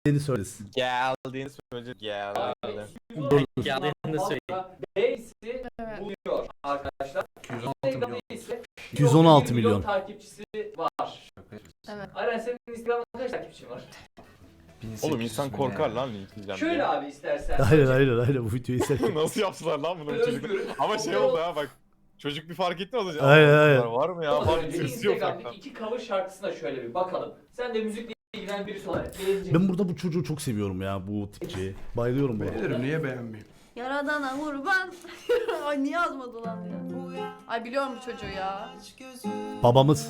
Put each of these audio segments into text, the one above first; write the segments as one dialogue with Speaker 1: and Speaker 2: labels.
Speaker 1: geldiğini söylesin.
Speaker 2: Geldiğini söyleyecek geldi.
Speaker 3: Geldiğini söyle.
Speaker 4: B'si buluyor arkadaşlar.
Speaker 5: 116 milyon.
Speaker 1: 116 milyon.
Speaker 4: takipçisi var.
Speaker 6: Evet.
Speaker 4: Aren senin Instagram'da kaç takipçin var?
Speaker 2: Oğlum insan korkar lan linkleyeceğim
Speaker 4: Şöyle
Speaker 2: diye.
Speaker 4: abi istersen.
Speaker 1: Aynen bu videoyu izlerken.
Speaker 2: Nasıl yaptılar lan bunu çocuk?
Speaker 4: Özgür.
Speaker 2: Ama şey oldu ha bak. Çocuk bir fark etti az önce.
Speaker 1: Aynen.
Speaker 2: Var mı ya?
Speaker 4: Az
Speaker 2: Var
Speaker 4: önce
Speaker 2: tırsıyor ufaktan.
Speaker 4: Instagram'daki 2 cover şarkısına şöyle bir bakalım. Sen de müzikle ilgilenen birisi olarak beğeneceksin.
Speaker 1: Ben burada bu çocuğu çok seviyorum ya, bu tipçiyi. Bayılıyorum bu.
Speaker 5: Beğenirim, niye beğenmeyeyim?
Speaker 6: Yaradana kurban. Ay niye yazmadı lan ya? Ay biliyorum bu çocuğu ya.
Speaker 1: Babamız.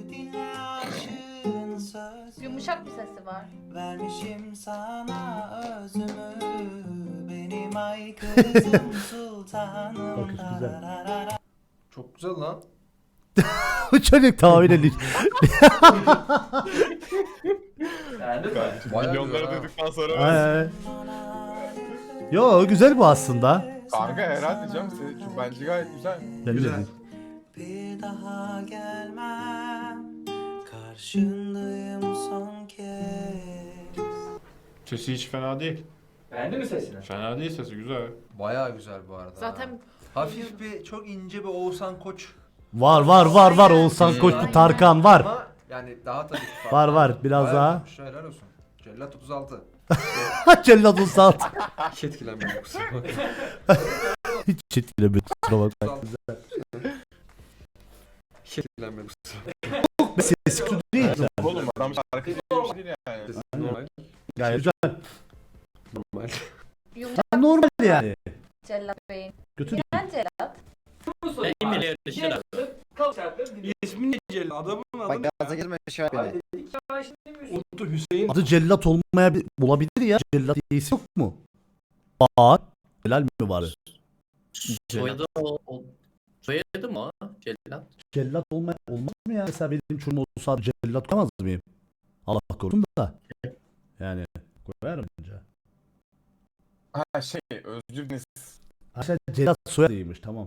Speaker 6: Yumuşak bir sesi var.
Speaker 7: Vermişim sana özümü, benim ay kızım sultanım.
Speaker 1: Bakış güzel.
Speaker 5: Çok güzel lan.
Speaker 1: Bu çocuk tahmin
Speaker 4: Beğendin mi?
Speaker 5: Bayağı
Speaker 2: Milyonları
Speaker 5: güzel ha.
Speaker 2: duyduktan sonra.
Speaker 1: Ay. Yo güzel bu aslında.
Speaker 2: Kanka herhalde canım senin bence gayet güzel.
Speaker 1: Ben
Speaker 5: Güzel.
Speaker 1: dedim.
Speaker 7: Bir daha gelmem, karşındayım son kez.
Speaker 8: Sesi hiç fena değil.
Speaker 4: Beğendin mi sesini?
Speaker 8: Fena değil sesi, güzel.
Speaker 5: Bayağı güzel bu arada.
Speaker 6: Zaten
Speaker 5: Hafif bir, çok ince bir Oğuzhan Koç.
Speaker 1: Var Oğuzhan Koç,
Speaker 6: Aynen.
Speaker 1: Tarkan var.
Speaker 5: Ama yani daha tabii ki farklı.
Speaker 1: Var biraz
Speaker 5: Bayağı
Speaker 1: daha.
Speaker 5: yapmış, helal olsun. Cellat 36.
Speaker 1: Cellat Usta.
Speaker 5: Hiç etkilenmiyorum kusura bakma.
Speaker 1: Hiç etkilemiyor, kusura bakma.
Speaker 5: Hiç etkilenmiyorum kusura
Speaker 1: Sesi kötü değil.
Speaker 2: Oğlum adam şarkı diye bir şey değil yani.
Speaker 5: bakma. Normal.
Speaker 1: Gayet güzel.
Speaker 5: Normal.
Speaker 6: yumuşak
Speaker 1: Normal yani.
Speaker 6: Cellat Bey'in.
Speaker 1: Kötü değil.
Speaker 6: Neden Cellat?
Speaker 4: Bu soruyu
Speaker 3: En
Speaker 4: var.
Speaker 3: ileri dışarı.
Speaker 4: Cellat'ın cover şarkıları dinliyoruz.
Speaker 5: İsmi ne Cellat? Adamın adı ne?
Speaker 9: Gaza girme şu an beni.
Speaker 4: Abi dedik ya şimdi müzik.
Speaker 5: Uttu Hüseyin.
Speaker 1: Adı Cellat olabilir ya. Cellat diye isim yok mu? Var. Celal mi var?
Speaker 3: Soyadı soyadı mı o? Cellat.
Speaker 1: Cellat olmaz mı ya? Mesela benim çocuğum olsa adı Cellat koyamaz mıyım? Allah korusun da. Yani koyarım bence.
Speaker 2: Ha şey Özgür Deniz.
Speaker 1: Ha sen Cellat soyadıymış, tamam.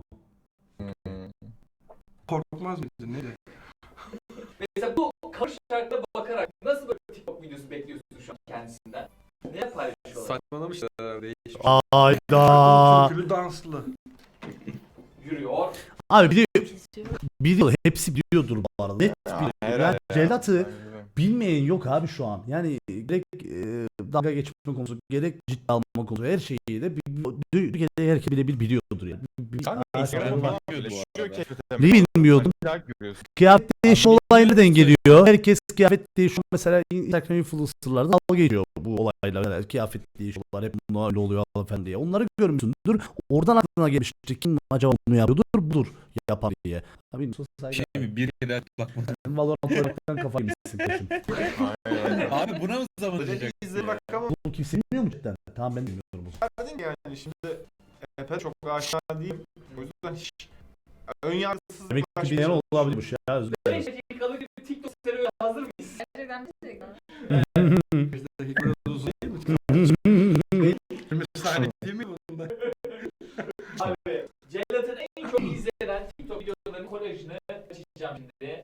Speaker 5: Korkmaz mıydı? Neydi?
Speaker 4: Mesela bu cover şarkılara bakarak nasıl böyle TikTok videosu bekliyorsun şu an kendisinden? Ne paylaşıyorlar?
Speaker 5: Saçmalamışlar herhalde.
Speaker 1: Ayda.
Speaker 5: Türkülü danslı.
Speaker 4: Yürüyor.
Speaker 1: Abi biliyor, hepsi biliyordur bu arada. Net biliyor.
Speaker 2: herhalde
Speaker 1: Ya Cellat'ı bilmeyen yok abi şu an. Yani gerek dalga geçme konusu, gerek ciddi alma konusu, her şeyi de Türkiye'de herkes biliyordur yani.
Speaker 2: Kanka Instagram falan paylaşıyor keşfete.
Speaker 1: Bilmiyordum.
Speaker 2: Görüyorsun.
Speaker 1: Kıyafet değişimi olayı nereden geliyor? Herkes kıyafet değişiyor. Mesela Instagram influencer'larda dalga geçiyor bu olayla. Yani kıyafet değişiyorlar, hep bunlar öyle oluyor falan diye. Onları görmüşsündür. Oradan aklına gelmiştir. Kim acaba bunu yapıyordur? Budur yapan diye. Abi
Speaker 10: Şey mi? Bir kere bakmadım.
Speaker 1: Valorant oynarken kafa yemişsin peşin.
Speaker 2: Aynen.
Speaker 10: Abi buna mı zaman diyecek?
Speaker 1: Bu kimse bilmiyor mu cidden? Tamam ben bilmiyorum.
Speaker 8: Verdin yani şimdi Epe çok aşağı değil. O yüzden hiç ön yargısız
Speaker 1: Demek ki bilen olabilirmiş ya, özür
Speaker 4: 5
Speaker 1: dilerim.
Speaker 4: dakikalık bir TikTok serüveni hazır mıyız?
Speaker 6: Gerçekten bir şey.
Speaker 5: Dakika biraz uzun değil mi? 20 saniye değil mi bunda?
Speaker 4: Abi Cellat'ın en çok izlenen TikTok videolarının kolajını açacağım şimdi.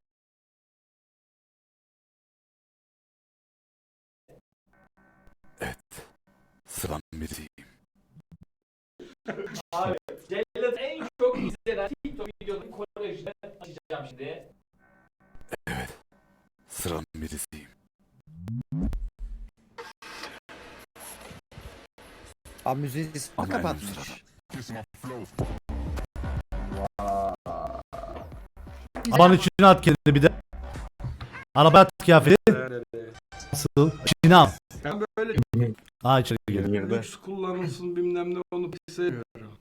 Speaker 9: Sıram birisiyim.
Speaker 4: Abi Cellat'ın en çok izlenen TikTok videolarının kolajını açacağım şimdi.
Speaker 9: Sıram birisiyim. Abi müziği kapatmış.
Speaker 1: Arabanın içine at kendini bir de. Araba at kıyafeti. Nasıl? İçine al.
Speaker 5: Ben böyle
Speaker 1: Aa içeri gel.
Speaker 5: lüks kullanılsın bilmem ne onu pek sevmiyorum.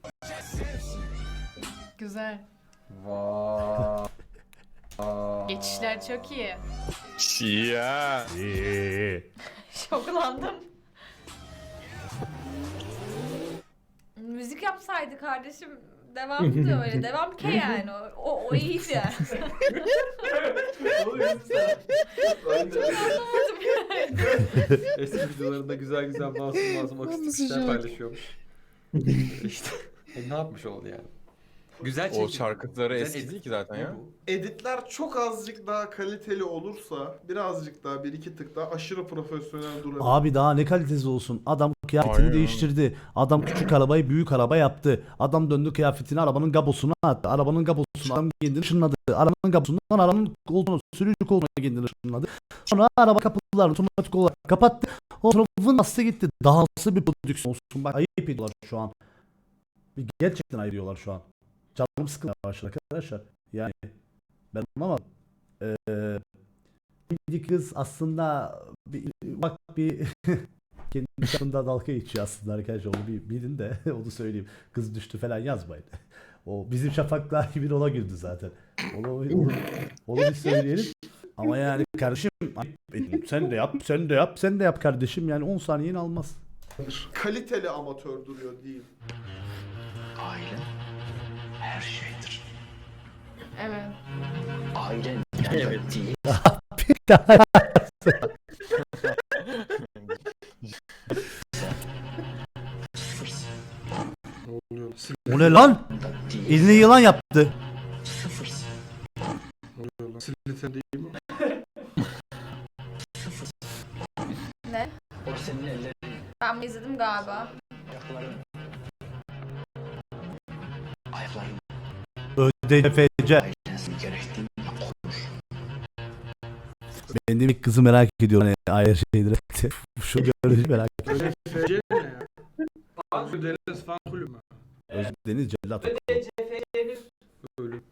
Speaker 6: Güzel.
Speaker 5: Vaaay.
Speaker 6: Geçişler çok iyi.
Speaker 2: Ya.
Speaker 6: Şoklandım. Müzik yapsaydı kardeşim devamı da öyle. Devam ki yani. O iyiydi yani. Anlamadım yani.
Speaker 5: Eski videolarında güzel güzel masum akustik işler paylaşıyormuş. İşte ne yapmış oldu yani? Güzel
Speaker 2: O
Speaker 5: çekim.
Speaker 2: şarkıları
Speaker 5: Güzel
Speaker 2: eski
Speaker 5: edit.
Speaker 2: değil ki zaten ya.
Speaker 8: Editler çok azıcık daha kaliteli olursa, birazcık daha bir iki tık daha aşırı profesyonel durabilir.
Speaker 1: Abi daha ne kalitesi olsun. Adam kıyafetini
Speaker 2: Aynen.
Speaker 1: değiştirdi. Adam küçük arabayı büyük araba yaptı. Adam döndü kıyafetini arabanın gabosuna attı. Arabanın gabosunu adam kendini ışınladı. Arabanın gabosundan arabanın koltuğuna, sürücü koltuğuna kendini ışınladı. Sonra araba kapılarını otomatik olarak kapattı. O sonra vın bastı gitti. Daha nasıl bir prodüksiyon olsun. Bak ayıp ediyorlar şu an. Gerçekten ayıp ediyorlar şu an. Canım sıkılmaya başladı arkadaşlar. Yani ben anlamadım. Bir kız aslında bak bir kendi çapında dalga geçiyor aslında arkadaşlar, onu bir bilin de onu söyleyeyim. Kız düştü falan yazmayın. O bizim Şafak'la bir ona güldü zaten. Onu bir söyleyelim. Ama yani kardeşim sen de yap, sen de yap, sen de yap kardeşim, yani 10 saniyeni almaz.
Speaker 8: Kaliteli amatör duruyor diyeyim.
Speaker 6: Evet.
Speaker 3: Evet.
Speaker 1: O ne lan? Eline yılan yaptı.
Speaker 5: Silite değil mi?
Speaker 6: Ne? Ben mi izledim galiba?
Speaker 1: ÖDFC. Ben de ilk kızı merak ediyorum. Hani ayrı şeydir. Şu görüntü merak ediyorum.
Speaker 5: FC ne ya? Deniz fan kulübü mü?
Speaker 1: Deniz Cellat.
Speaker 4: CFC'nin
Speaker 5: Ölüm.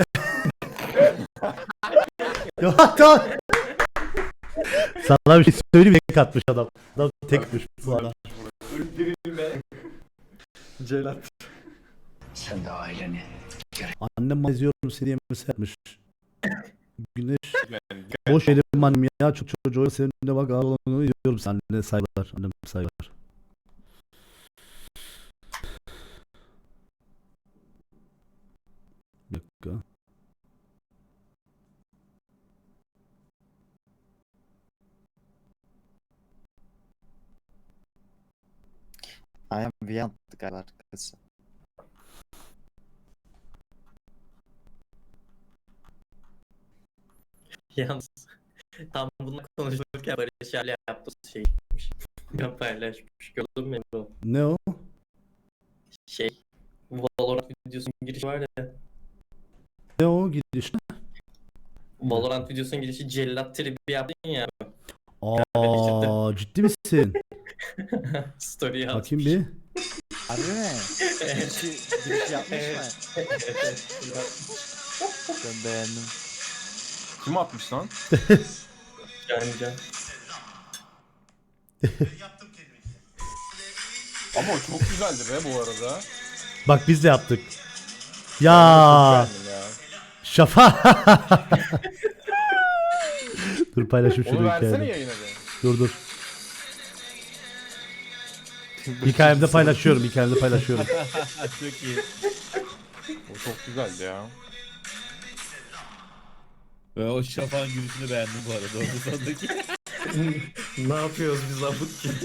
Speaker 1: Ya tamam. Sana bir şey söyleyeyim, tek atmış adam. Adam tek düşmüş bu adam.
Speaker 4: öldürülme.
Speaker 5: Celat.
Speaker 1: Annem bana izliyorum seni diye mesaj atmış. Güneş boş yerim annem ya, çok çocuğu senin de bak ağlanıyor, izliyorum sen, annene saygılar, annem saygılar. Bir dakika.
Speaker 9: Aynen bir yandık galiba arkası.
Speaker 3: Yalnız tam bunu konuşurken Barış hala yaptığı şey ben paylaşmış. Gördün mü o?
Speaker 1: Ne o?
Speaker 3: Şey Valorant videosunun girişi var ya.
Speaker 1: Ne o gidiş?
Speaker 3: Valorant videosunun girişi cellat tribi yaptın ya.
Speaker 1: Aa, ciddi misin?
Speaker 3: Story yazmış.
Speaker 1: Bakayım bir.
Speaker 9: Harbi mi? Giriş yapmış mı? Ben beğendim.
Speaker 2: Kim atmış lan?
Speaker 3: Can.
Speaker 2: Ama o çok güzeldi be bu arada.
Speaker 1: Bak biz de yaptık. Ya
Speaker 2: Çok beğendim ya.
Speaker 1: Şafa. Dur paylaşayım şunu
Speaker 2: Onu versene
Speaker 1: hikayede.
Speaker 2: yayına be.
Speaker 1: Dur. Hikayemde paylaşıyorum,
Speaker 10: Çok iyi.
Speaker 2: O çok güzeldi ya.
Speaker 10: Ve o şafağın gülüşünü beğendim bu arada. Orada sondaki.
Speaker 3: Ne yapıyoruz biz abut ki?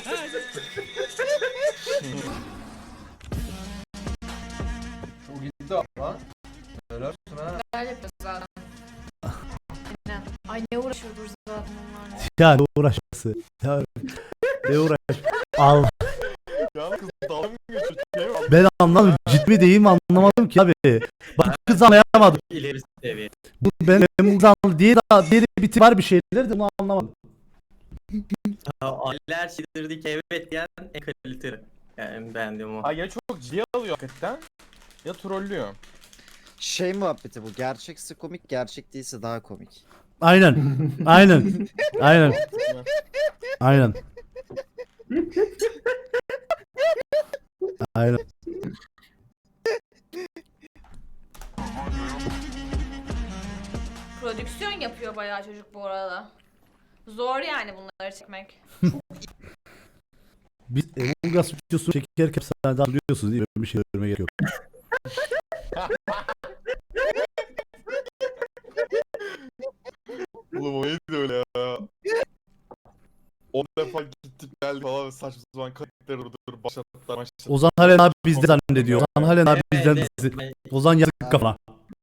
Speaker 8: O gitti ama. Helal olsun ha.
Speaker 6: Neler yapıyoruz zaten. Aynen. Ay ne uğraşıyoruz zaten onlarla.
Speaker 1: Ya ne uğraşması? Ya ne uğraş? Al.
Speaker 2: Ya kız dalga mı geçiyor?
Speaker 1: Ben anlamadım. Ciddi değil mi anlamadım ki abi. Bak kız anlayamadım.
Speaker 3: İleri seviye.
Speaker 1: Bu ben bu kız anlamadım. Diğeri biti var bir şeyler de bunu anlamadım.
Speaker 3: Aile her şeydir ki evet diyen en kaliteli. Yani beğendiğim o.
Speaker 2: Ay ya çok ciddiye alıyor hakikaten. Ya trollüyor.
Speaker 9: Şey muhabbeti bu. Gerçekse komik, gerçek değilse daha komik.
Speaker 1: Aynen. Aynen.
Speaker 6: Prodüksiyon yapıyor bayağı çocuk bu arada. Zor yani bunları çekmek.
Speaker 1: Biz Among Us videosu çekerken sen daha biliyorsunuz değil mi? Bir şey görmeye gerek yok.
Speaker 2: Oğlum o neydi öyle ya? 10 defa gittik geldi falan saçma sapan kayıtları durdur başlattılar.
Speaker 1: Ozan Halen abi bizde zannediyor. Ozan Halen abi bizden
Speaker 3: Evet,
Speaker 1: bizi.
Speaker 3: evet.
Speaker 1: Ozan yazık kafana.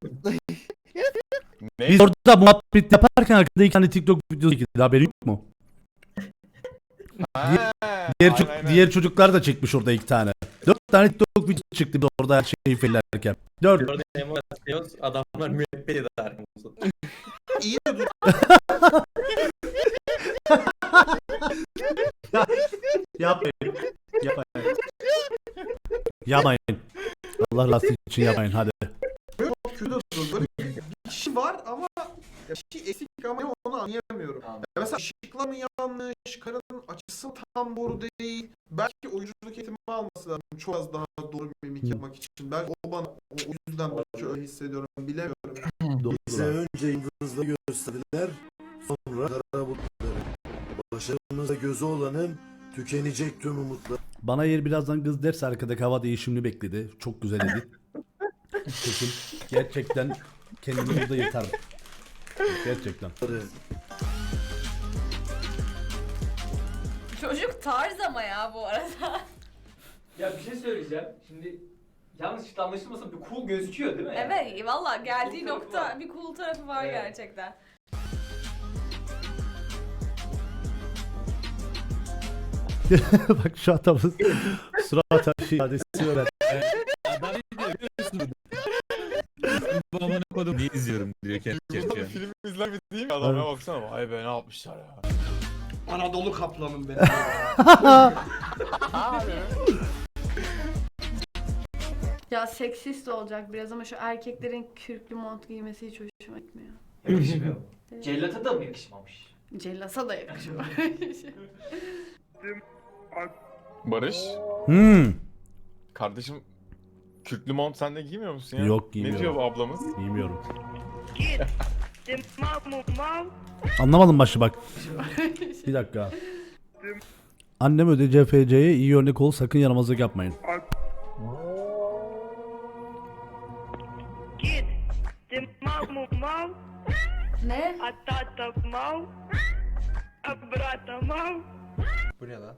Speaker 2: Ne?
Speaker 1: Biz orada muhabbet yaparken arkada 2 tane TikTok videosu çekildi. Haberi yok mu? Diğer çocuklar da çekmiş orada 2 tane. 4 tane TikTok videosu çıktı biz orada her şeyi fellerken. 4.
Speaker 3: Orada emot adamlar müebbet eder arkamızda.
Speaker 8: İyi de dur.
Speaker 1: Yapmayın. Yapmayın. Yapmayın. Allah rızası için yapmayın hadi.
Speaker 8: Böyle çok kötü dur. Böyle bir kişi var ama ya bir şey eksik ama onu anlayamıyorum.
Speaker 4: Tamam.
Speaker 8: Ya mesela ışıklar mı yanlış, karanın açısı mı tam doğru değil. Belki oyunculuk eğitimi alması lazım çok az daha doğru bir mimik yapmak için. Belki o bana o yüzden öyle hissediyorum bilemiyorum.
Speaker 1: Bize
Speaker 11: önce yıldızları gösterdiler, sonra kara bulutları. Başarımızda gözü olanın tükenecek tüm umutları.
Speaker 1: Bana yer birazdan kız derse arkadaki hava değişimini bekledi. Çok güzel edit. Kesin. Gerçekten kendimi burada yırtarım. Gerçekten.
Speaker 6: Çocuk tarz ama ya bu arada.
Speaker 4: Ya bir şey söyleyeceğim. Şimdi yanlış anlaşılmasın bir cool gözüküyor değil mi?
Speaker 6: Evet valla geldiği
Speaker 4: Cool tarafı
Speaker 6: nokta
Speaker 4: var.
Speaker 6: bir cool tarafı var
Speaker 4: Evet.
Speaker 6: gerçekten.
Speaker 1: Bak şu adamın surat ifadesi öyle.
Speaker 10: Adam ne diyor biliyor musun? Bu amına kodum niye izliyorum diyor kendi
Speaker 2: Burada
Speaker 10: kendine.
Speaker 2: film izler mi değil mi adam ya baksana. Vay be ne yapmışlar ya.
Speaker 8: Anadolu kaplanım benim.
Speaker 6: Ya seksist olacak biraz ama şu erkeklerin kürklü mont giymesi hiç hoşuma gitmiyor.
Speaker 4: Yakışmıyor. Cellata da mı yakışmamış?
Speaker 6: Cellasa da yakışıyor.
Speaker 2: Barış. Kardeşim kürklü mont sen de giymiyor musun ya?
Speaker 1: Yok,
Speaker 2: Ne
Speaker 1: giymiyorum.
Speaker 2: diyor bu ablamız?
Speaker 1: Bilmiyorum. Anlamadım başı bak. Bir dakika. Annem öde CFC'ye iyi örnek ol sakın yaramazlık yapmayın.
Speaker 6: Ne?
Speaker 5: Bu ne lan?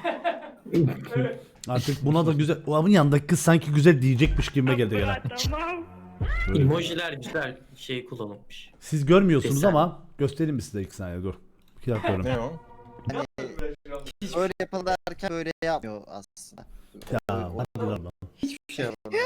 Speaker 1: Artık buna da güzel. O abın yanındaki kız sanki güzel diyecekmiş gibi geldi gene.
Speaker 3: Emojiler güzel şey kullanılmış.
Speaker 1: Siz görmüyorsunuz
Speaker 3: Desen.
Speaker 1: ama göstereyim mi size 2 saniye dur. 2 dakika görün.
Speaker 2: Ne o?
Speaker 9: Hiç böyle yapalım derken böyle yapmıyor aslında.
Speaker 1: Ya hadi lan.
Speaker 9: Hiçbir şey yapamıyor.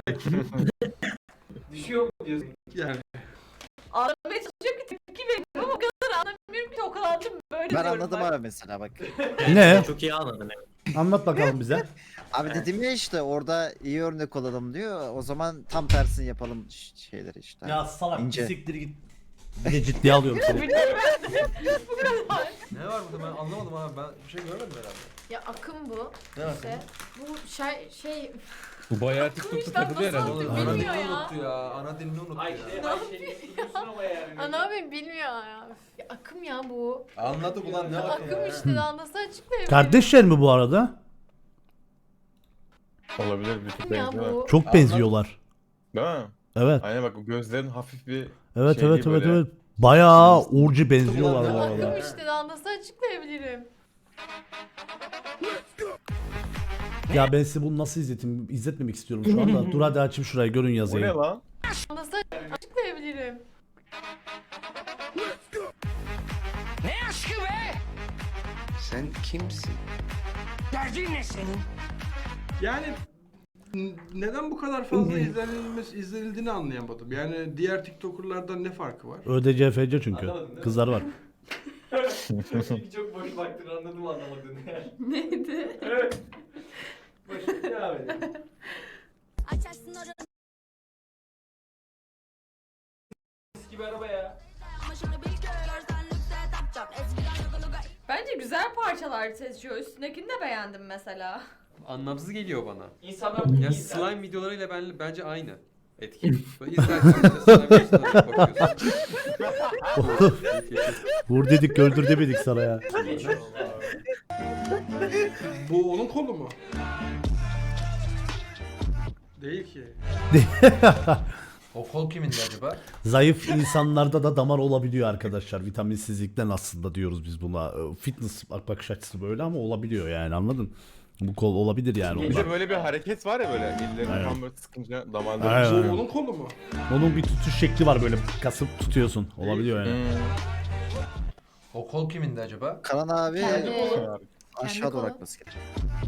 Speaker 4: Düşüyor mu diyorsun?
Speaker 5: Yani
Speaker 6: Anlamaya çalışıyorum ki tepki veriyorum ama o kadar anlamıyorum ki o kadar da böyle
Speaker 9: Ben
Speaker 6: diyorum
Speaker 9: anladım abi mesela bak.
Speaker 1: Ne?
Speaker 3: Çok iyi anladın evet.
Speaker 1: Anlat bakalım bize.
Speaker 9: Abi dedim ya işte orada iyi örnek olalım diyor. O zaman tam tersini yapalım şeyleri işte.
Speaker 1: Ya salak
Speaker 9: İnce.
Speaker 1: siktir git. Bir de ciddiye alıyorum seni.
Speaker 6: Bu kadar.
Speaker 5: ne var burada ben anlamadım abi ben bir şey görmedim herhalde.
Speaker 6: Ya akım bu.
Speaker 5: Ne var?
Speaker 6: İşte bu şey
Speaker 10: Bu bayağı
Speaker 6: Akım
Speaker 10: TikTok'ta
Speaker 6: işte,
Speaker 10: takılıyor
Speaker 6: nasıl
Speaker 10: herhalde.
Speaker 6: oldu
Speaker 5: Ana
Speaker 6: bilmiyor
Speaker 5: dilini
Speaker 6: ya.
Speaker 5: unuttu ya. Ana dilini unuttu
Speaker 4: Ay
Speaker 5: ya.
Speaker 4: şey istiyorsun ama yani.
Speaker 6: Ana abi bilmiyor ya. Ya akım ya bu.
Speaker 5: Anladık ulan ne akım
Speaker 6: Akım
Speaker 5: ya.
Speaker 6: işte daha nasıl açıklayabilirim?
Speaker 1: Kardeşler mi bu arada?
Speaker 2: Olabilir bir tık
Speaker 6: Akım ya
Speaker 2: benziyorlar.
Speaker 6: bu.
Speaker 1: Çok benziyorlar.
Speaker 2: Değil mi?
Speaker 1: Evet.
Speaker 2: Aynen bak gözlerin hafif bir
Speaker 1: Evet
Speaker 2: şey
Speaker 1: evet
Speaker 2: gibi
Speaker 1: evet
Speaker 2: böyle.
Speaker 1: evet. Bayağı Urcu benziyorlar bu
Speaker 6: Akım
Speaker 1: arada.
Speaker 6: işte daha nasıl açıklayabilirim?
Speaker 1: Ya ben size bunu nasıl izletmemek istiyorum şu anda. Dur hadi açayım şurayı görün
Speaker 2: O ne
Speaker 1: yazıyı.
Speaker 2: lan?
Speaker 6: Nasıl açıklayabilirim?
Speaker 7: Sen kimsin?
Speaker 5: Yani neden bu kadar fazla izlenildiğini anlayamadım. Yani diğer TikToker'lardan ne farkı var?
Speaker 1: ÖDCFC çünkü.
Speaker 4: Anlamadın değil mi?
Speaker 1: Kızlar var.
Speaker 4: Çünkü çok boş baktın anladım anlamadığını yani.
Speaker 6: Neydi?
Speaker 4: Evet. Boş devam edelim. Eski bir araba ya.
Speaker 6: Bence güzel parçalar seçiyor. Üstündekini de beğendim mesela.
Speaker 5: Anlamsız geliyor bana.
Speaker 4: İnsanlar bunu
Speaker 5: Ya
Speaker 4: giydi.
Speaker 5: slime videolarıyla bence aynı etki. Böyle izlerken bir de slime videolarına bakıyorsun.
Speaker 1: Vur dedik öldür demedik sana ya.
Speaker 8: Bu onun kolu mu? Değil ki.
Speaker 5: O kol kimindi acaba?
Speaker 1: Zayıf insanlarda da damar olabiliyor arkadaşlar. Vitaminsizlikten aslında diyoruz biz buna. Fitness bakış açısı böyle ama olabiliyor yani, anladın? Bu kol olabilir yani
Speaker 2: Bir de
Speaker 1: ondan.
Speaker 2: böyle bir hareket var ya böyle ellerini
Speaker 1: Aynen.
Speaker 2: tam böyle sıkınca damarları.
Speaker 1: Aynen.
Speaker 5: Bu onun kolu mu?
Speaker 1: Onun bir tutuş şekli var, böyle kasıp tutuyorsun. Olabiliyor yani.
Speaker 5: O kol kimindi acaba?
Speaker 9: Karan abi
Speaker 6: Kendi
Speaker 9: aşağı doğru
Speaker 6: kolu.
Speaker 9: akması gerekiyor.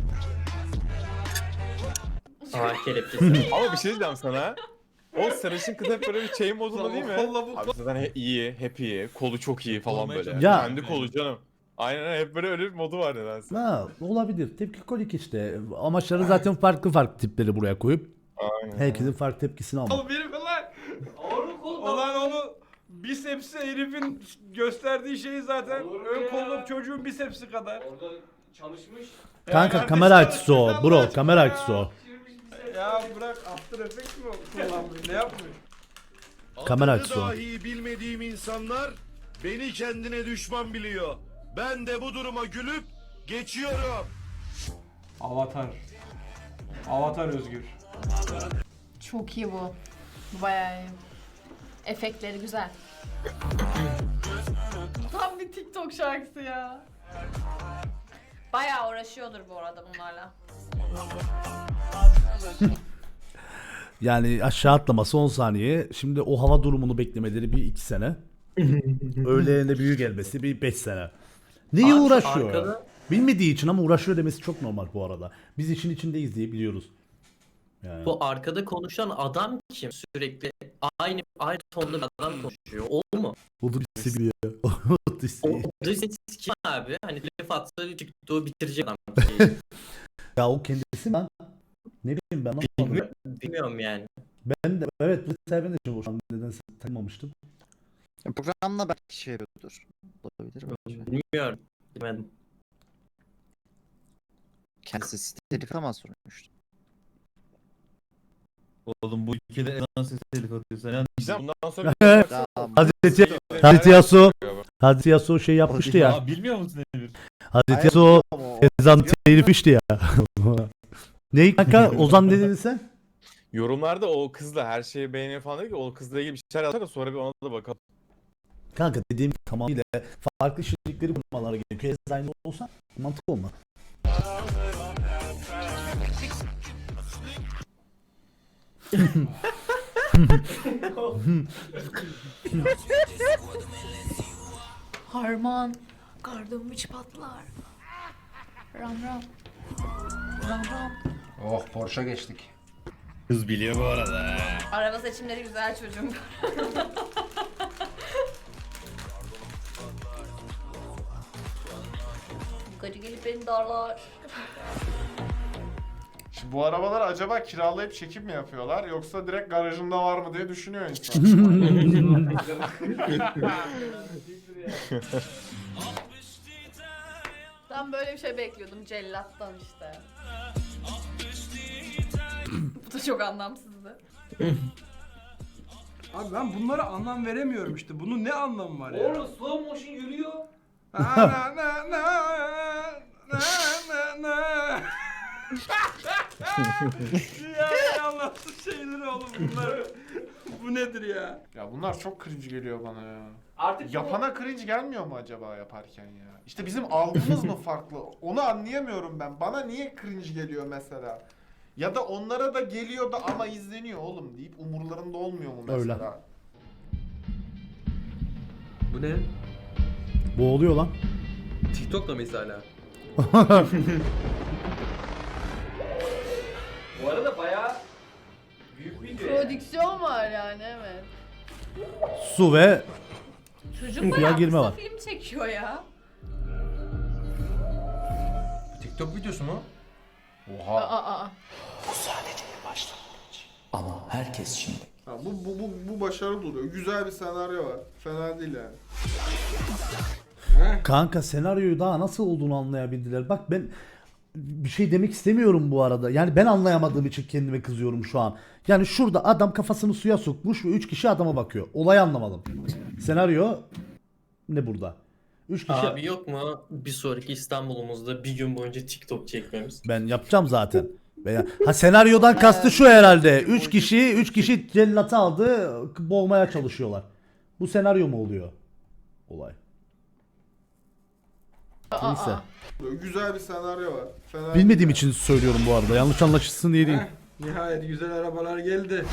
Speaker 3: Ağır kelepçesi.
Speaker 2: Ama bir şey diyeceğim sana. O sarışın kız hep böyle bir chain modunda değil mi?
Speaker 5: Kolla bu.
Speaker 2: Abi zaten iyi, hep iyi, kolu çok iyi falan
Speaker 10: Olmaya
Speaker 2: böyle.
Speaker 1: Ya.
Speaker 2: Kendi kolu canım. Aynen hep böyle öyle bir modu var nedense.
Speaker 1: Ha, olabilir. Tepkikolik işte. Amaçları zaten farklı tipleri buraya koyup
Speaker 2: Aynen.
Speaker 1: herkesin farklı tepkisini almak.
Speaker 5: Oğlum herif lan.
Speaker 4: Ağırlık oğlum.
Speaker 5: Olan onu bisepsi herifin gösterdiği şey zaten
Speaker 4: Olur mu
Speaker 5: ön
Speaker 4: ya?
Speaker 5: kolluk çocuğun bisepsi kadar.
Speaker 4: Orada çalışmış.
Speaker 1: Kanka
Speaker 5: Yani
Speaker 1: kamera
Speaker 5: kardeşim,
Speaker 1: açısı o.
Speaker 5: Allah
Speaker 1: Bro
Speaker 5: aşkına
Speaker 1: kamera
Speaker 5: ya.
Speaker 1: açısı o.
Speaker 5: Ya bırak After Effects mi kullanmış? Ne yapmış?
Speaker 1: Kamera
Speaker 11: Adını
Speaker 1: açısı o.
Speaker 11: dahi bilmediğim insanlar beni kendine düşman biliyor. Ben de bu duruma gülüp geçiyorum.
Speaker 5: Avatar. Avatar Özgür.
Speaker 6: Çok iyi bu. Bu bayağı iyi. Efektleri güzel. Tam bir TikTok şarkısı ya. Bayağı uğraşıyordur bu arada bunlarla.
Speaker 1: Yani aşağı atlaması 10 saniye. Şimdi o hava durumunu beklemeleri bir 2 sene. Öğleğine büyük gelmesi bir 5 sene. Niye
Speaker 3: Abi şu
Speaker 1: uğraşıyor?
Speaker 3: arkada-
Speaker 1: Bilmediği için ama uğraşıyor demesi çok normal bu arada. Biz işin içindeyiz diye biliyoruz. Yani.
Speaker 3: Bu arkada konuşan adam kim? Sürekli aynı tonda bir adam konuşuyor. O mu?
Speaker 1: Bu birisi biliyor.
Speaker 3: O dış kim abi? Hani laf atsa TikTok'u bitirecek adam. Şey.
Speaker 1: Ya o kendisi mi lan? Ne bileyim ben. Anlamadım.
Speaker 3: Bilmiyorum yani.
Speaker 1: Ben de evet bu sefer ben de şu an nedense tanımamıştım.
Speaker 9: Programla belki şey yapıyordur. Olabilir bence.
Speaker 3: Bilmiyorum. Bilmedim.
Speaker 9: Kendisi siteli falan sormuştu.
Speaker 10: Oğlum bu ülkede ezan sesi telif atıyor. Sen
Speaker 2: Güzel bundan sonra
Speaker 9: Tamam.
Speaker 1: Hazreti Yasuo şey yapmıştı ya.
Speaker 10: Aa, bilmiyor musun Emir?
Speaker 1: Hazreti Yasuo ezan telifmişti ya. Neyi kanka? Ozan ne dedin sen?
Speaker 2: yorumlarda o kızla her şeyi beğeniyor falan dedi ki o kızla ilgili bir şeyler yazar da sonra bir ona da bakalım.
Speaker 1: Kanka dediğim tamamıyla farklı şirketleri bulmaları gerekiyor. Aynı olsa mantıklı olmaz.
Speaker 6: Harman. Kardım hiç patlar. Ram ram. Ram ram.
Speaker 5: Oh Porsche geçtik.
Speaker 10: Kız biliyor bu arada.
Speaker 6: Araba seçimleri güzel çocuğum. Gacı gelip beni darlar.
Speaker 8: Şimdi bu arabalar acaba kiralayıp çekim mi yapıyorlar yoksa direkt garajında var mı diye düşünüyor insan.
Speaker 6: Ben böyle bir şey bekliyordum cellattan işte. Bu da çok anlamsızdı.
Speaker 5: Abi ben bunlara anlam veremiyorum işte. Bunun ne anlamı var ya?
Speaker 4: Oğlum slow motion yürüyor.
Speaker 5: Ya Allahsız şeyler oğlum bunlar. Bu nedir ya?
Speaker 8: Ya bunlar çok cringe geliyor bana ya.
Speaker 4: Artık
Speaker 8: Yapana cringe gelmiyor mu acaba yaparken ya? İşte bizim algımız mı farklı? Onu anlayamıyorum ben. Bana niye cringe geliyor mesela? Ya da onlara da geliyor da ama izleniyor oğlum deyip umurlarında olmuyor mu mesela?
Speaker 1: Öyle.
Speaker 12: Bu ne?
Speaker 1: Bu oluyor lan.
Speaker 12: TikTok'ta mıyız hala?
Speaker 4: bu arada bayağı büyük video yani.
Speaker 6: Prodüksiyon var yani evet.
Speaker 1: Su ve
Speaker 6: Çocuk
Speaker 1: Suya
Speaker 6: bayağı
Speaker 1: girme
Speaker 6: kısa
Speaker 1: var.
Speaker 6: film çekiyor ya.
Speaker 5: TikTok videosu mu?
Speaker 6: Aa, aa.
Speaker 8: Ha, bu başarılı oluyor. Güzel bir senaryo var. Fena değil yani.
Speaker 1: kanka senaryoyu daha nasıl olduğunu anlayabildiler. Bak ben bir şey demek istemiyorum bu arada. Yani ben anlayamadığım için kendime kızıyorum şu an. Yani şurada adam kafasını suya sokmuş ve 3 kişi adama bakıyor. Olayı anlamadım. Senaryo ne burada? 3 kişi
Speaker 3: Abi yok mu bir sonraki İstanbul'umuzda bir gün boyunca TikTok çekmemiz?
Speaker 1: ben yapacağım zaten. Veya senaryodan kastı şu herhalde. 3 kişi cellatı aldı, boğmaya çalışıyorlar. Bu senaryo mu oluyor? Olay. Neyse.
Speaker 5: Böyle güzel bir senaryo var. Fena
Speaker 1: Bilmediğim
Speaker 5: değil.
Speaker 1: için söylüyorum bu arada. Yanlış anlaşılsın diye değil.
Speaker 5: Heh, nihayet güzel arabalar geldi.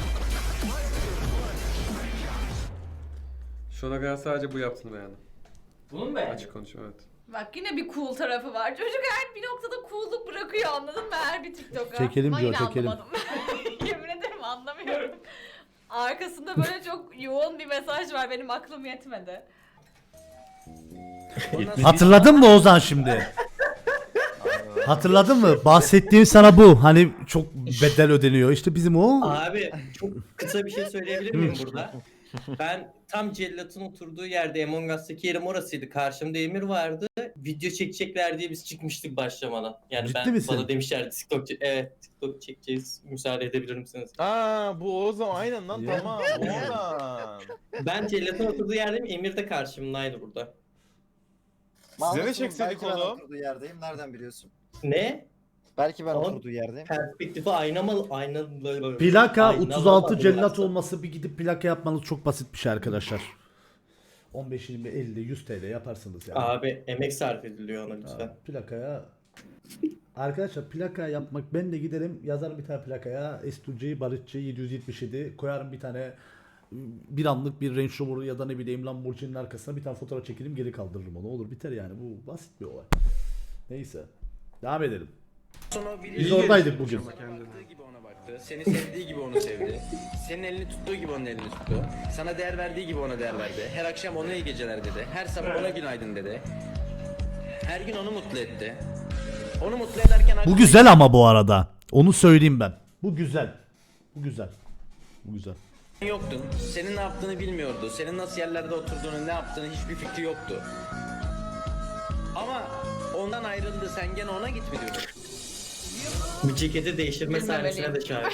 Speaker 12: Şu ana kadar sadece bu yaptığını beğendim.
Speaker 4: Bunu mu beğendin?
Speaker 12: Açık konuşuyorum evet.
Speaker 6: Bak yine bir cool tarafı var. Çocuk her bir noktada cool'luk bırakıyor, anladın mı? Her bir TikTok'a.
Speaker 1: Çekelim
Speaker 6: Ben
Speaker 1: diyor,
Speaker 6: yine
Speaker 1: çekelim.
Speaker 6: anlamadım. Yemin ederim anlamıyorum. Arkasında böyle çok yoğun bir mesaj var, benim aklım yetmedi.
Speaker 1: Hatırladın mı Ozan şimdi? Hatırladın mı? Bahsettiğim sana bu. Hani çok bedel ödeniyor. İşte bizim o.
Speaker 3: Abi çok kısa bir şey söyleyebilir miyim burada? Ben tam cellatın oturduğu yerde, Among Us'taki yerim orasıydı. Karşımda Emir vardı. Video çekecekler diye biz çıkmıştık başlamadan. Yani
Speaker 1: Ciddi misin?
Speaker 3: bana demişlerdi TikTok çekeceğiz. Müsaade edebilir misiniz?
Speaker 2: Aa bu o zaman aynen lan
Speaker 1: Ya.
Speaker 2: tamam. Oradan.
Speaker 3: Ben cellatın oturduğu yerdeyim. Emir de karşımdaydı burada.
Speaker 2: Size de çekseydik
Speaker 9: Belki ben
Speaker 2: oğlum.
Speaker 9: oturduğu yerdeyim. Nereden biliyorsun?
Speaker 3: Ne?
Speaker 9: Belki ben
Speaker 3: Oğlum,
Speaker 9: oturduğu yerdeyim.
Speaker 3: Perspektifi aynalı.
Speaker 1: Plaka
Speaker 3: Aynalı
Speaker 1: 36
Speaker 3: bak,
Speaker 1: cellat
Speaker 3: orası.
Speaker 1: olması, bir gidip plaka yapmanız çok basit bir şey arkadaşlar. 15, 20, 50, 100 TL yaparsınız yani.
Speaker 3: Abi emek sarf ediliyor ona lütfen.
Speaker 1: Plakaya arkadaşlar, plaka yapmak, ben de giderim yazarım bir tane plakaya S2C Barışçı 777 koyarım, bir tane bir anlık bir Range Rover ya da ne bileyim Lamborghini'nin arkasına bir tane fotoğraf çekelim, geri kaldırırım onu, olur biter yani, bu basit bir olay. Neyse devam edelim. Biz oradaydık bugün.
Speaker 7: gibi ona baktı. Seni sevdiği gibi onu sevdi. Senin elini tuttuğu gibi onun elini tuttu. Sana değer verdiği gibi ona değer verdi. Her akşam ona iyi geceler dedi. Her sabah ona günaydın dedi. Her gün onu mutlu etti. Onu mutlu ederken...
Speaker 1: Bu güzel ama bu arada. Onu söyleyeyim ben. Bu güzel. Bu güzel. Bu güzel.
Speaker 7: yoktun. Senin ne yaptığını bilmiyordu. Senin nasıl yerlerde oturduğunu, ne yaptığını hiçbir fikri yoktu. Ama ondan ayrıldı. Sen gene ona git mi diyordun?
Speaker 3: Bu ceketi değiştirme sahnesine de şahit.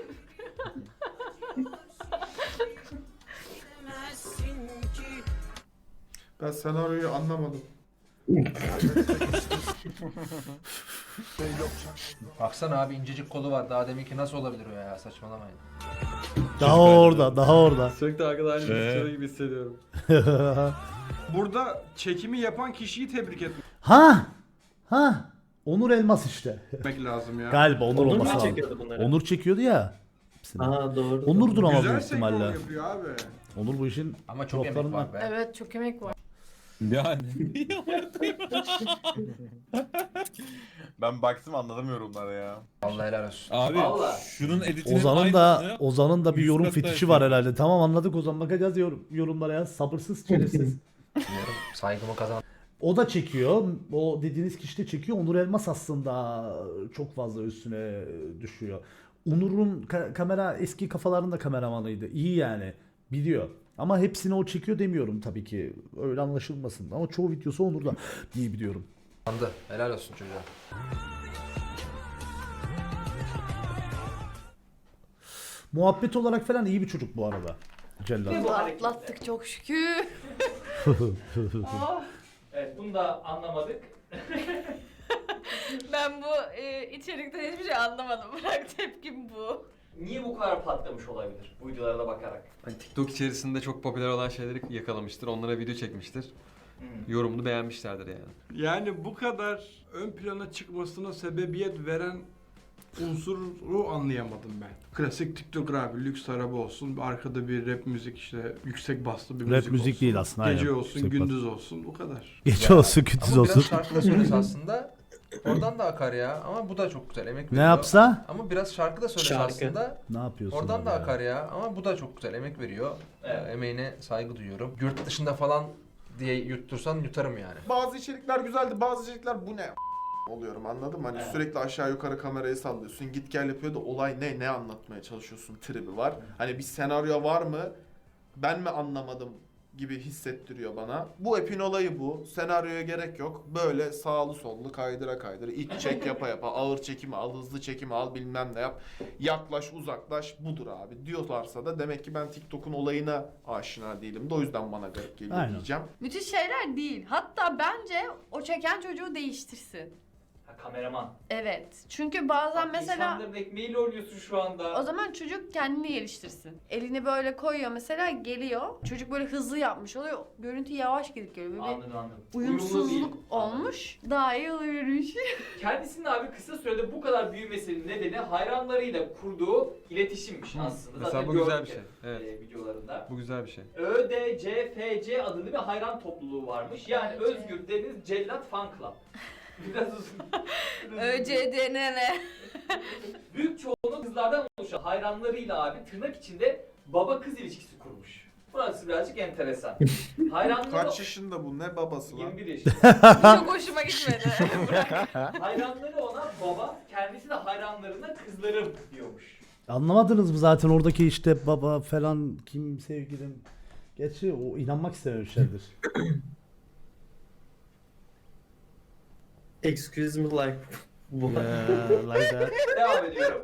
Speaker 5: Ben senaryoyu anlamadım.
Speaker 4: Baksana abi, incecik kolu var. Daha deminki nasıl olabilir o ya? Saçmalamayın.
Speaker 1: Daha orada, daha orada.
Speaker 12: Sürekli arkada aynı bir gibi hissediyorum.
Speaker 5: Burada çekimi yapan kişiyi tebrik
Speaker 1: Ha! Onur Elmas işte.
Speaker 5: etmek lazım ya.
Speaker 1: Galiba Onur
Speaker 3: Onur mu
Speaker 1: olması lazım.
Speaker 3: çekiyordu bunları?
Speaker 1: Onur çekiyordu ya. hepsini.
Speaker 3: Aa doğru.
Speaker 1: Onur'dur ama
Speaker 5: Güzel
Speaker 1: büyük
Speaker 5: senkron
Speaker 1: ihtimalle.
Speaker 5: yapıyor abi.
Speaker 1: Onur bu işin
Speaker 4: Ama çok emek
Speaker 1: toplarından.
Speaker 4: var be.
Speaker 6: Evet, çok emek var.
Speaker 10: Yani.
Speaker 2: Ben baktım anladım yorumlara ya.
Speaker 4: Vallahi helal olsun.
Speaker 10: Abi
Speaker 4: Vallahi.
Speaker 10: şunun editinin
Speaker 1: Ozan'ın da bir
Speaker 10: yüz
Speaker 1: yorum
Speaker 10: kat
Speaker 1: fetişi
Speaker 10: daha
Speaker 1: var herhalde. Tamam, anladık Ozan, bakacağız yorumlara ya. Sabırsız, şerefsiz.
Speaker 4: Biliyorum, saygımı kazan.
Speaker 1: O da çekiyor. O dediğiniz kişi de çekiyor. Onur Elmas aslında çok fazla üstüne düşüyor. Onur'un kamera, eski kafalarında kameramanıydı. İyi yani. Biliyor. Ama hepsini o çekiyor demiyorum tabii ki. Öyle anlaşılmasın. Ama çoğu videosu Onur'da diye biliyorum.
Speaker 4: Anladı. Helal olsun çocuğa.
Speaker 1: Muhabbet olarak falan iyi bir çocuk bu arada. Cellat.
Speaker 6: Bu atlattık çok şükür. Oh.
Speaker 4: Evet, bunu da anlamadık.
Speaker 6: Ben bu içerikten hiçbir şey anlamadım. Bırak, tepkim bu.
Speaker 4: Niye bu kadar patlamış olabilir bu videolara da bakarak?
Speaker 12: Hani TikTok içerisinde çok popüler olan şeyleri yakalamıştır. Onlara video çekmiştir. Yorumunu beğenmişlerdir yani.
Speaker 5: Yani bu kadar ön plana çıkmasına sebebiyet veren unsuru anlayamadım ben. Klasik TikTok abi, lüks araba olsun, arkada bir rap müzik, işte yüksek baslı bir
Speaker 1: Rap
Speaker 5: müzik
Speaker 1: müzik
Speaker 5: olsun.
Speaker 1: değil aslında,
Speaker 5: Gece
Speaker 1: aynen.
Speaker 5: olsun,
Speaker 1: Yüksek
Speaker 5: gündüz olsun, bu kadar.
Speaker 1: Gece olsun, gündüz
Speaker 4: Ama
Speaker 1: olsun.
Speaker 4: biraz şarkı da söylese aslında. Oradan da akar ya. Ama bu da çok güzel emek
Speaker 1: Ne
Speaker 4: veriyor.
Speaker 1: yapsa?
Speaker 4: Ama biraz şarkı da söylese
Speaker 3: Şarkı.
Speaker 4: aslında.
Speaker 1: Ne yapıyorsun?
Speaker 4: Oradan
Speaker 1: abi
Speaker 4: da
Speaker 1: ya?
Speaker 4: akar ya. Ama bu da çok güzel emek veriyor.
Speaker 3: Evet.
Speaker 4: Emeğine saygı duyuyorum. Yurt dışında falan diye yuttursan yutarım yani.
Speaker 8: Bazı içerikler güzeldi, bazı içerikler bu ne oluyorum, anladın mı? Hani sürekli aşağı yukarı kamerayı sallıyorsun, git gel yapıyor da olay ne anlatmaya çalışıyorsun tribi var. Hani bir senaryo var mı, ben mi anlamadım gibi hissettiriyor bana. Bu epin olayı bu. Senaryoya gerek yok. Böyle sağlı sollu kaydıra kaydıra, iç çek yapa yapa, ağır çekimi al, hızlı çekimi al, bilmem ne yap. Yaklaş uzaklaş, budur abi diyorlarsa da demek ki ben TikTok'un olayına aşina değilim de o yüzden bana garip geliyor
Speaker 1: Aynen.
Speaker 8: diyeceğim.
Speaker 6: Müthiş şeyler değil. Hatta bence o çeken çocuğu değiştirsin.
Speaker 4: kameraman.
Speaker 6: Evet. Çünkü bazen
Speaker 4: Bak,
Speaker 6: mesela
Speaker 4: İnsanların ekmeğiyle oynuyorsun şu anda.
Speaker 6: o zaman çocuk kendini geliştirsin. Elini böyle koyuyor mesela, geliyor. Çocuk böyle hızlı yapmış oluyor. Görüntü yavaş gidip geliyor. Böyle bir
Speaker 4: Anladım.
Speaker 6: uyumsuzluk
Speaker 4: Uyumlu değil.
Speaker 6: olmuş. Daha iyi oluyormuş.
Speaker 4: Kendisinin abi kısa sürede bu kadar büyümesinin nedeni hayranlarıyla kurduğu iletişimmiş aslında.
Speaker 12: Mesela
Speaker 4: Zaten
Speaker 12: bu güzel
Speaker 4: gördük
Speaker 12: bir şey.
Speaker 4: hep,
Speaker 12: Evet.
Speaker 4: videolarında.
Speaker 12: Bu güzel bir şey.
Speaker 4: ÖDCFC adında bir hayran topluluğu varmış. Yani Özgür Deniz Cellat Fan Club. Biraz uzun.
Speaker 6: ÖCDNN.
Speaker 4: Büyük çoğunluğu kızlardan oluşan hayranlarıyla abi tırnak içinde baba kız ilişkisi kurmuş. Burası birazcık enteresan. Hayranları...
Speaker 8: Kaç yaşında bu? Ne babası lan?
Speaker 4: 21 yaşında.
Speaker 6: Çok hoşuma gitmedi.
Speaker 4: Hayranları ona baba, kendisi de hayranlarına kızlarım diyormuş.
Speaker 1: Anlamadınız mı zaten oradaki işte baba falan kim sevgilim. Gerçi o inanmak istememişlerdir.
Speaker 3: Excuse me like bu.
Speaker 1: Like that.
Speaker 4: Devam ediyorum.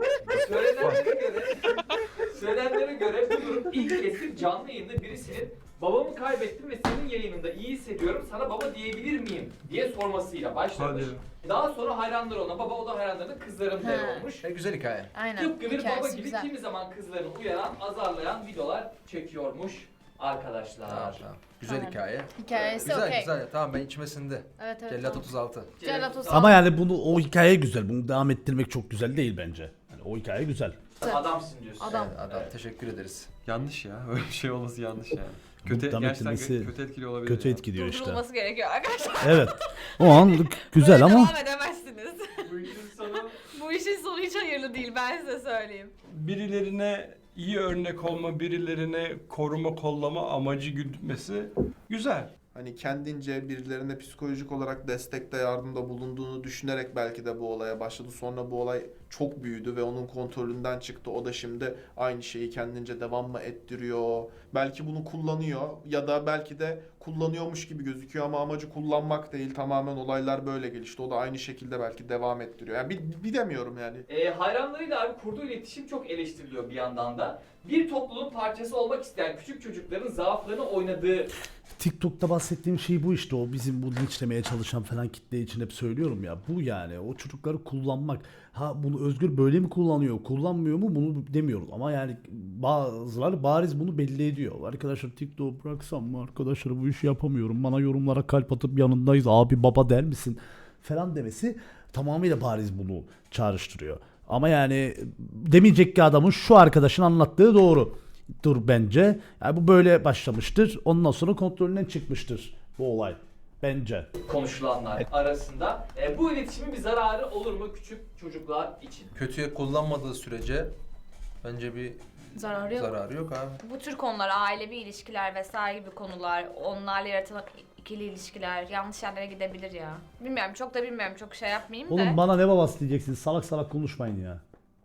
Speaker 4: Söylenenlere göre bu durum ilk kez bir canlı yayında birisinin babamı kaybettim ve senin yayınında iyi hissediyorum, sana baba diyebilir miyim diye sormasıyla başlamış. Daha sonra hayranları ona baba, o da hayranlarına kızlarım der olmuş.
Speaker 7: Güzel hikaye.
Speaker 6: Aynen.
Speaker 4: Tıpkı bir baba
Speaker 6: Hikayesi
Speaker 4: gibi
Speaker 6: güzel.
Speaker 4: kimi zaman kızlarını uyaran, azarlayan videolar çekiyormuş arkadaşlar.
Speaker 7: Güzel
Speaker 6: Aynen.
Speaker 7: hikaye.
Speaker 6: Hikayesi okey.
Speaker 7: Tamam ben içime sindi.
Speaker 6: Evet evet.
Speaker 7: Cellat
Speaker 6: tamam.
Speaker 7: 36.
Speaker 6: Cellat 36.
Speaker 1: Ama yani bunu o hikaye güzel. Bunu devam ettirmek çok güzel değil bence. Yani o hikaye güzel.
Speaker 4: Adamsın diyorsun.
Speaker 6: Adam.
Speaker 7: Adam teşekkür ederiz.
Speaker 12: Yanlış ya. Öyle bir şey olması yanlış yani. Kötü,
Speaker 1: Devam
Speaker 12: gerçekten
Speaker 1: ettirmesi
Speaker 12: kötü etkili olabilir.
Speaker 1: kötü
Speaker 12: ya.
Speaker 1: etkiliyor işte.
Speaker 6: Durdurulması gerekiyor arkadaşlar.
Speaker 1: Evet. O an güzel
Speaker 6: Böyle
Speaker 1: ama
Speaker 6: devam edemezsiniz.
Speaker 4: Bu işin sonu
Speaker 6: Bu işin sonu hiç hayırlı değil, ben size söyleyeyim.
Speaker 5: Birilerine iyi örnek olma, birilerine koruma kollama amacı gütmesi güzel.
Speaker 8: Hani kendince birilerine psikolojik olarak destekte, yardımda bulunduğunu düşünerek belki de bu olaya başladı. Sonra bu olay çok büyüdü ve onun kontrolünden çıktı. O da şimdi aynı şeyi kendince devam mı ettiriyor? Belki bunu kullanıyor ya da belki de kullanıyormuş gibi gözüküyor ama amacı kullanmak değil. Tamamen olaylar böyle gelişti. O da aynı şekilde belki devam ettiriyor. Yani bilemiyorum yani.
Speaker 4: Hayranlarıyla abi kurduğu iletişim çok eleştiriliyor bir yandan da. Bir topluluğun parçası olmak isteyen küçük çocukların zaaflarını oynadığı...
Speaker 1: TikTok'ta bahsettiğim şey bu işte, o bizim bu linçlemeye çalışan falan kitle için hep söylüyorum ya, bu yani o çocukları kullanmak. Ha bunu Özgür böyle mi kullanıyor, kullanmıyor mu bunu demiyoruz ama yani bazıları bariz bunu belli ediyor. Arkadaşlar TikTok'u bıraksam mı, arkadaşlar bu işi yapamıyorum, bana yorumlara kalp atıp yanındayız abi baba der misin falan demesi tamamıyla bariz bunu çağrıştırıyor. Ama yani demeyecek ki adamın şu arkadaşın anlattığı doğrudur bence. Yani bu böyle başlamıştır. Ondan sonra kontrolünden çıkmıştır bu olay. Bence.
Speaker 4: Konuşulanlar arasında. Bu iletişimin bir zararı olur mu küçük çocuklar için?
Speaker 7: Kötüye kullanmadığı sürece bence bir
Speaker 6: Zararı yok.
Speaker 7: zararı yok abi.
Speaker 6: Bu tür konular, ailevi ilişkiler vesaire gibi konular, onlarla yaratılan ikili ilişkiler yanlış yerlere gidebilir ya. Bilmiyorum, çok da bilmiyorum, çok şey yapmayayım da.
Speaker 1: Oğlum bana ne babası diyeceksiniz, salak salak konuşmayın ya.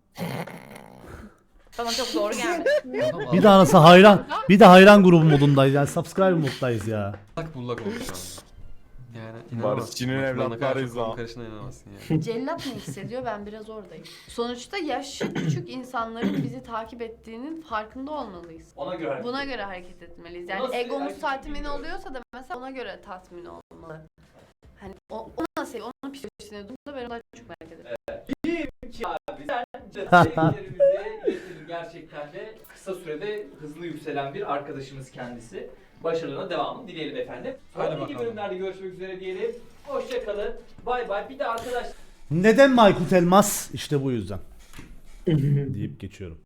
Speaker 6: Bana çok doğru gelmedi.
Speaker 1: Bir de anası hayran, bir de hayran grubu modundayız yani, subscribe moddayız ya.
Speaker 12: Bullak bullak oldu şu an. Yani inanamazsın.
Speaker 2: Barışçı'nın
Speaker 12: Bak, bana kadar
Speaker 2: evlatlarıyız
Speaker 12: çok
Speaker 2: ha.
Speaker 12: karışına inanamazsın yani.
Speaker 6: Cellat ne hissediyor, ben biraz oradayım. Sonuçta yaşı küçük insanların bizi takip ettiğinin farkında olmalıyız.
Speaker 4: Ona göre hareket
Speaker 6: Buna göre hareket etmeliyiz. Yani
Speaker 4: Nasıl bir
Speaker 6: egomuz
Speaker 4: hareket
Speaker 6: tatmin
Speaker 4: bilmiyorum.
Speaker 6: oluyorsa da mesela ona göre tatmin olmalı. Hani o nasıl seviyor, onun psikolojisine durumda ben ondan çok merak ederim.
Speaker 4: ki abi sence sevgilerimizi iletelim, gerçekten de kısa sürede hızlı yükselen bir arkadaşımız kendisi. Başarılarına devamını dileyelim efendim.
Speaker 12: Hadi
Speaker 4: Sonraki
Speaker 12: bakalım.
Speaker 4: bölümlerde görüşmek üzere diyelim. Hoşça kalın. Bay bay. Bir de arkadaşlar
Speaker 1: Neden Maykut Elmas? İşte bu yüzden. Deyip geçiyorum.